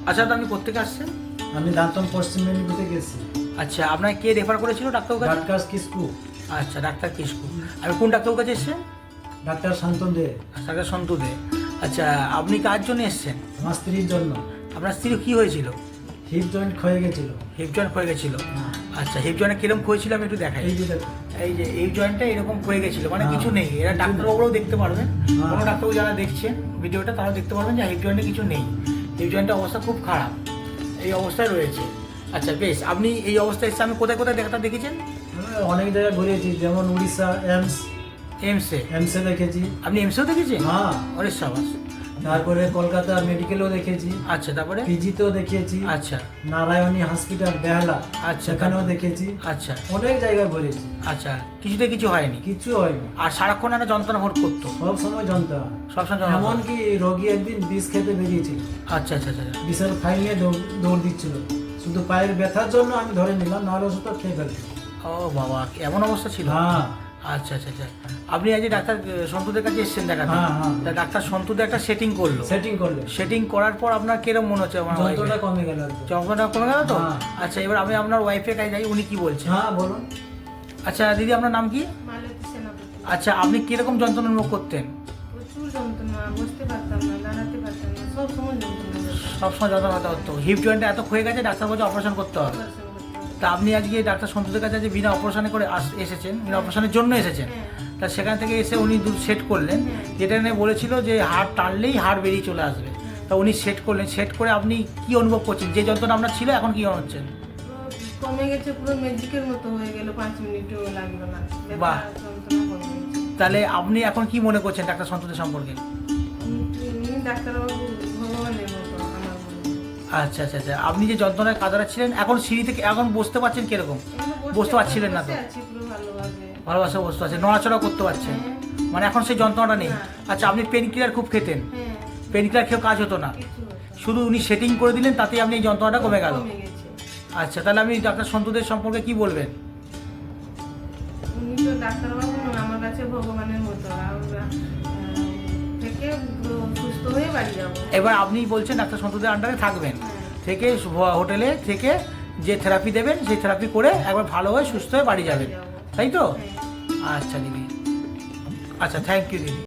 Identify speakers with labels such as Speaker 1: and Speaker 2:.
Speaker 1: আচ্ছা, তো আপনি কোত্থেকে আসছেন?
Speaker 2: আমি দান্তন পশ্চিম মেদিনীপুরে গেছি।
Speaker 1: আচ্ছা, আপনাকে কে রেফার করেছিল ডাক্তারবাবুর কাছে?
Speaker 2: ডাক্তার কিসকু,
Speaker 1: আচ্ছা, ডাক্তার কিসকু। আমি কোন ডাক্তারবাবুর কাছে এসেছেন?
Speaker 2: ডাক্তার শান্তন দে।
Speaker 1: ডাক্তার সন্তু দে। আচ্ছা, আপনি কার জন্য এসেছেন?
Speaker 2: আমার স্ত্রীর জন্য।
Speaker 1: আপনার স্ত্রী কি হয়েছিল?
Speaker 2: হিপ জয়েন্ট ক্ষয়ে গেছিল।
Speaker 1: হিপ জয়েন্ট ক্ষয়ে গেছিল। আচ্ছা, হিপ জয়েন্টে কিরকম ক্ষয়েছিল আমি একটু দেখাই।
Speaker 2: এই যে দেখো,
Speaker 1: এই যে এই জয়েন্টটা এরকম ক্ষয়ে গেছিল, মানে
Speaker 2: হ্যাঁ।
Speaker 1: কিছু নেই। এরা
Speaker 2: কিছু
Speaker 1: ডাক্তারবাবুরাও দেখতে পারবেন,
Speaker 2: হ্যাঁ।
Speaker 1: কোনো ডাক্তারবাবু যারা দেখছেন ভিডিওটা তারাও দেখতে পারবেন যে হিপ জয়েন্টে কিছু নেই। হিপ জয়েন্টের অবস্থা খুব খারাপ, এই অবস্থায় রয়েছে। আচ্ছা বেশ, আপনি এই অবস্থায় এসে আমি কোথায় কোথায় ডাক্তার দেখেছেন?
Speaker 2: অনেক জায়গায় ঘুরেছি, যেমন উড়িষ্যা
Speaker 1: এমসে।
Speaker 2: এমসে দেখেছি।
Speaker 1: আপনি এমসেও দেখেছেন?
Speaker 2: হ্যাঁ।
Speaker 1: অরে সাবাস।
Speaker 2: তারপরে কলকাতা মেডিকেলও দেখেছি।
Speaker 1: আচ্ছা, তারপরে?
Speaker 2: পিজিতেও দেখেছি।
Speaker 1: আচ্ছা
Speaker 2: নারায়ণী হসপিটাল বেহালা,
Speaker 1: আচ্ছা,
Speaker 2: সেখানেও
Speaker 1: তারপরে?
Speaker 2: দেখেছি।
Speaker 1: আচ্ছা
Speaker 2: অনেক জায়গায় ঘুরেছি,
Speaker 1: আচ্ছা, কিছুতে কিছু হয়নি?
Speaker 2: কিছু হয়নি।
Speaker 1: আর সারাক্ষণ একটা যন্ত্রণা ভোট করতো?
Speaker 2: সব সময় যন্ত্রণা।
Speaker 1: সবসময় যন্ত্রণা?
Speaker 2: এমনকি রোগী একদিন বিষ খেতে বেরিয়েছিল,
Speaker 1: আচ্ছা আচ্ছা আচ্ছা।
Speaker 2: বিষের ফাইল নিয়ে দৌড় দিচ্ছিল। শুধু পায়ের ব্যথার জন্য আমি ধরে নিলাম, নাহলে ওষুধটা খেয়ে ফেলতাম।
Speaker 1: ও বাবা, এমন অবস্থা ছিল?
Speaker 2: হ্যাঁ
Speaker 1: আচ্ছা আচ্ছা আচ্ছা। আপনি আজ ডাক্তার সন্তুদের কাছে এসেছেন দেখাতে?
Speaker 2: হ্যাঁ, হ্যাঁ।
Speaker 1: তা ডাক্তার সন্তুদের একটা সেটিং করলো।
Speaker 2: সেটিং করলে
Speaker 1: সেটিং করার পর আপনার কিরকম মনে হচ্ছে? আমার
Speaker 2: যন্ত্রণা কমে গেল একদম।
Speaker 1: যন্ত্রণা কমে গেল তো?
Speaker 2: হ্যাঁ।
Speaker 1: আচ্ছা, এবার আমি আপনার ওয়াইফের কাছে যাই, উনি কি বলছেন?
Speaker 2: হ্যাঁ বলুন।
Speaker 1: আচ্ছা দিদি, আপনার নাম কি?
Speaker 3: মালতী সেনাপতি।
Speaker 1: আচ্ছা, আপনি কিরকম যন্ত্রণা অনুভব করতেন?
Speaker 3: প্রচুর যন্ত্রণা, বসতে পারতাম না, দাঁড়াতে পারতাম না, সব সময় যন্ত্রণা হতো।
Speaker 1: সবসময় যন্ত্রণা হতো? হিপ জয়েন্টে এত ক্ষয়ে গেছে, ডাক্তার বলছে অপারেশন করতে হবে।
Speaker 3: অপারেশন করতে হতো।
Speaker 1: তা আপনি আজকে ডাক্তার সন্তুদের কাছে যে বিনা অপারেশনে করে এসেছেন, বিনা অপারেশনের জন্য এসেছেন,
Speaker 3: হ্যাঁ।
Speaker 1: তা সেখান থেকে এসে উনি সেট করলেন, যেটা নিয়ে বলেছিল যে হাড় টানলেই হাড় বেরিয়ে চলে আসবে। তা উনি সেট করলেন, সেট করে আপনি কি অনুভব করছেন? যে যন্ত্রণা আপনার ছিল এখন কি হচ্ছেন?
Speaker 3: পুরো কমে গেছে, পুরো ম্যাজিকের মতো হয়ে গেল, 5 মিনিটও লাগলো না।
Speaker 1: বাহ।
Speaker 3: ব্যথা, যন্ত্রণা কমে গেছে।
Speaker 1: তাহলে আপনি এখন কি মনে করছেন ডাক্তার সন্তুদের সম্পর্কে?
Speaker 3: উনি ডাক্তারবাবু ভগবানের মতো আমার মনে হয়।
Speaker 1: আচ্ছা আচ্ছা আচ্ছা। আপনি যে যন্ত্রণায় কাদারা ছিলেন, এখন সিঁড়ি থেকে এখন বসতে পারছেন কিরকম?
Speaker 3: এমনি
Speaker 1: বুঝতে পারছিলেন না তো?
Speaker 3: বসে আছি পুরো ভালোভাবে।
Speaker 1: ভালোবাসা বসতে পারছেন, নড়াচড়া করতে পারছেন,
Speaker 3: হ্যাঁ।
Speaker 1: মানে এখন সেই যন্ত্রণাটা নেই?
Speaker 3: না।
Speaker 1: আচ্ছা, আপনি পেন কিলার খুব খেতেন,
Speaker 3: হ্যাঁ,
Speaker 1: পেন কিলার খেয়েও কাজ হতো না,
Speaker 3: কিছু হতো না।
Speaker 1: শুধু উনি সেটিং করে দিলেন, তাতেই আপনি এই যন্ত্রণাটা কমে গেল?
Speaker 3: কমে গেছে।
Speaker 1: আচ্ছা, তাহলে আপনি ডাক্তার সন্তুদের সম্পর্কে কি বলবেন?
Speaker 3: উনি তো ডাক্তারবাবু নন, আমার কাছে ভগবানের মতো। আর থেকে সুস্থ হয়ে বাড়ি যাবো।
Speaker 1: এবার আপনি বলছেন ডাক্তার সন্তুদের আন্ডারে থাকবেন,
Speaker 3: হ্যাঁ।
Speaker 1: থেকে হোটেলে থেকে যে থেরাপি দেবেন সেই থেরাপি করে একবার ভালো হয়ে সুস্থ হয়ে বাড়ি যাবেন,
Speaker 3: যাবো।
Speaker 1: তাই তো?
Speaker 3: হ্যাঁ।
Speaker 1: আচ্ছা দিদি, আচ্ছা থ্যাংক ইউ দিদি।